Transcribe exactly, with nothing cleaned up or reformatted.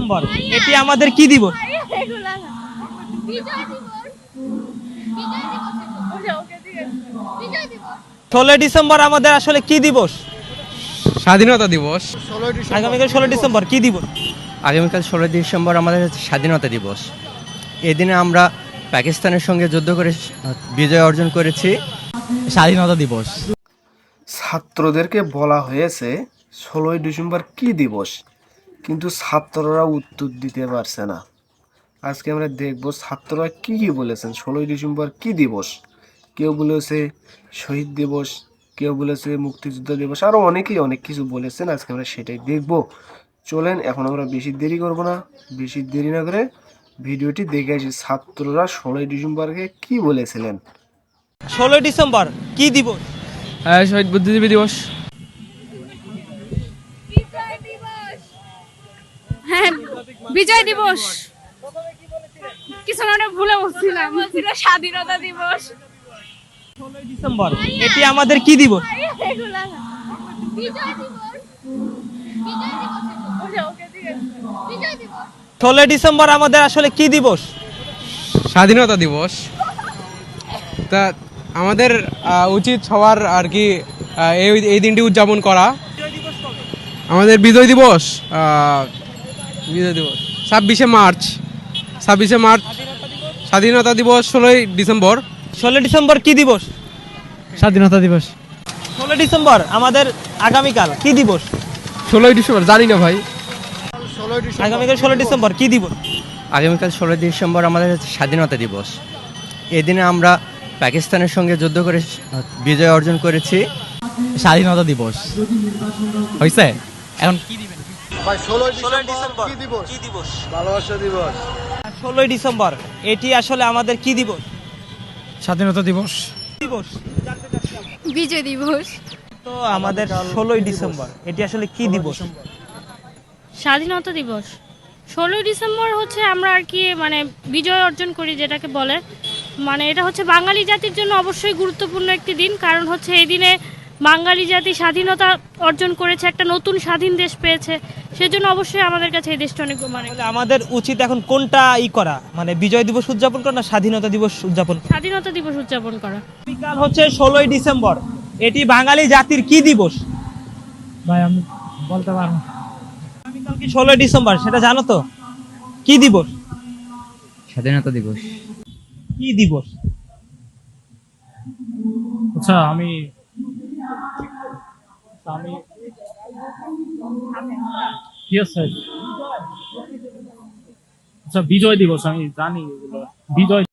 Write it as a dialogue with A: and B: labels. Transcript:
A: December এটি আমাদের কি দিবস? ষোলোই ডিসেম্বর আমাদের আসলে কি দিবস?
B: স্বাধীনতা দিবস।
A: আগামীকাল ষোলো ডিসেম্বর কি দিবস?
C: আগামীকাল ষোলোই ডিসেম্বর আমাদের হচ্ছে স্বাধীনতা দিবস। এদিনে আমরা পাকিস্তানের সঙ্গে যুদ্ধ করে বিজয় অর্জন করেছি।
B: স্বাধীনতা দিবস।
D: ছাত্রদেরকে বলা হয়েছে ষোলোই ডিসেম্বর কি দিবস, কিন্তু ছাত্ররা উত্তর দিতে পারছে না। আজকে আমরা দেখব ছাত্ররা কি কি বলেছেন ষোলোই ডিসেম্বর কি দিবস। কেউ বলেছে শহীদ দিবস, কেউ বলেছে মুক্তিযুদ্ধ দিবস, আরও অনেকেই অনেক কিছু বলেছেন। আজকে আমরা সেটাই দেখব। চলেন এখন আমরা বেশি দেরি করব না, বেশি দেরি না করে ভিডিওটি দেখে আসি ছাত্ররা ষোলোই ডিসেম্বরকে কি বলেছিলেন।
A: ষোলোই ডিসেম্বর কি দিবস?
B: শহীদ বুদ্ধিজীবী দিবস।
E: হ্যাঁ, বিজয় দিবস। কিছু না ভুলে বলছিলাম, ছিল স্বাধীনতা দিবস।
A: ষোলোই ডিসেম্বর এটি আমাদের কি দিবস? ষোলোই ডিসেম্বর আমাদের আসলে কি দিবস?
B: স্বাধীনতা দিবস। তা আমাদের আহ, উচিত সবার আর কি আহ, এই এই দিনটি উদযাপন করা। আমাদের বিজয় দিবস আহ, বিজয় দিবস ছাব্বিশে মার্চ। ছাব্বিশে মার্চ স্বাধীনতা দিবস। ষোলোই ডিসেম্বর।
A: ষোলোই ডিসেম্বর কি দিবস?
B: স্বাধীনতা দিবস।
A: ষোলোই ডিসেম্বর আমাদের আগামীকাল কি দিবস?
B: ষোলোই ডিসেম্বর জানি না ভাই।
A: আগামীকাল ষোলোই ডিসেম্বর কি দিবস?
C: আগামীকাল ষোলোই ডিসেম্বর আমাদের হচ্ছে স্বাধীনতা দিবস। এদিনে আমরা পাকিস্তানের সঙ্গে যুদ্ধ করে বিজয় অর্জন করেছি।
B: স্বাধীনতা দিবস হয়েছে। এখন কি দিবেন?
A: ষোলোই ডিসেম্বর কি দিবস? ভালোবাসা দিবস। ষোলোই ডিসেম্বর এটি আসলে আমাদের কি দিবস?
B: স্বাধীনতা দিবস।
A: দিবস
E: বিজয় দিবস।
A: তো আমাদের ষোলোই ডিসেম্বর এটি আসলে কি দিবস?
F: স্বাধীনতা দিবস। ষোলোই ডিসেম্বর হচ্ছে আমরা আর কি মানে বিজয় অর্জন করি যেটাকে বলে, মানে এটা হচ্ছে বাঙালি জাতির জন্য অবশ্যই গুরুত্বপূর্ণ একটি দিন। কারণ হচ্ছে এই দিনে বাঙালি জাতি স্বাধীনতা অর্জন করেছে, একটা নতুন স্বাধীন দেশ পেয়েছে। সেজন্য অবশ্যই আমাদের কাছে এই দেশটা অনেক মানে
A: তাহলে আমাদের উচিত এখন কোনটা ই করা, মানে বিজয় দিবস উদযাপন করা না স্বাধীনতা দিবস উদযাপন?
F: স্বাধীনতা দিবস উদযাপন করা।
A: আগামীকাল হচ্ছে ষোলোই ডিসেম্বর এটি বাঙালি জাতির কি দিবস?
B: ভাই আমি বলতে পারবো।
A: আগামীকাল কি ষোলোই ডিসেম্বর সেটা জানো তো? কি দিবস?
C: স্বাধীনতা দিবস।
A: কি দিবস?
G: আচ্ছা আমি আমি ইয়েস স্যার। আচ্ছা বিজয় দিবস আমি জানি এগুলো। বিজয়